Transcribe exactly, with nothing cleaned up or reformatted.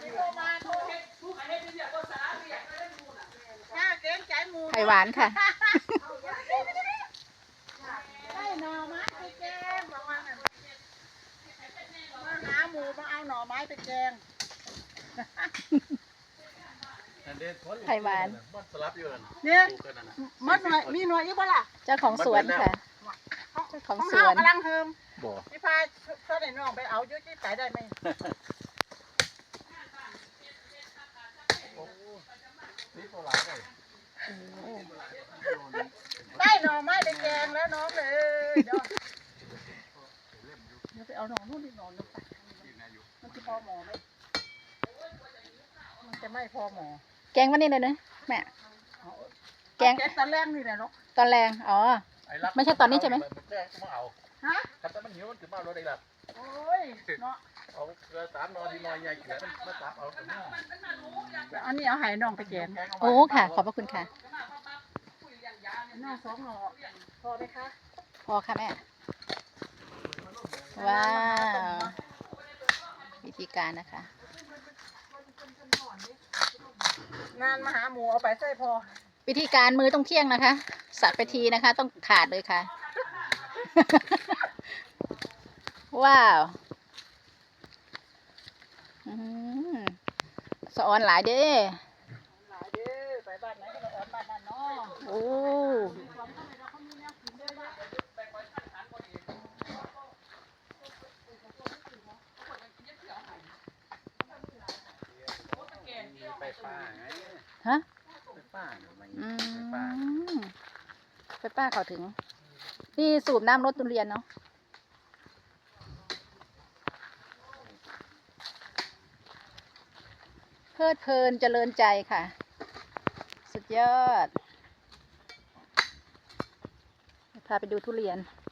ไข่หวานค่ะได้หน่อไม้ไปแกงบอกว่างั้นมาหาหมูมาเอาหน่อไม้ไปแกงไข่หวานเนี่ยมัดหน่อยมีหน่อยอีกบ่ล่ะเจ้าของสวนค่ะเจ้าของสวนกำลังเฮิมพี่พายช่วยน้องไปเอายุ่ยไปได้ไหมได้หน่อไม้ไปแกงแล้วน้องเลยเดี๋ยวเดี๋ยวไปเอาหน่อนู่นนี่หน่อนึงไปมันจะพอหมอไหมมันจะไม่พอหมอแกงวันนี้เลยนะแม่แกงตอนแรกนี่แหละเนาะตอนแรงอ๋อไม่ใช่ตอนนี้ใช่ไหมฮะคันแต่มันหิวมันถึงมาเราได้ละโอ้ยเนาะเอาเกลือสามนอที่นอยใหญ่เกลือมาตับเอาอันนี้เอาไห้น้องไปแกงโอ้ค่ะขอบพระคุณค่ะน้องสองหน่อพอไหมคะพอค่ะแม่ว้าววิธีการนะคะงานมาหาหมูเอาไปใส่พอวิธีการมือต้องเที่ยงนะคะสัตว์ไปทีนะคะต้องขาดเลยค่ะ ว้าวสะออนหลายเด้หลายเด้ไปบ้านไหนก็สะออนบ้านนั่นเนาะโอ้ไปป้าไงฮะไปป้าอืมไปป้าเขาถึงนี่สูบน้ำรถทุเรียนเนาะเพลิดเพลินเจริญใจค่ะสุดยอดพาไปดูทุเรียน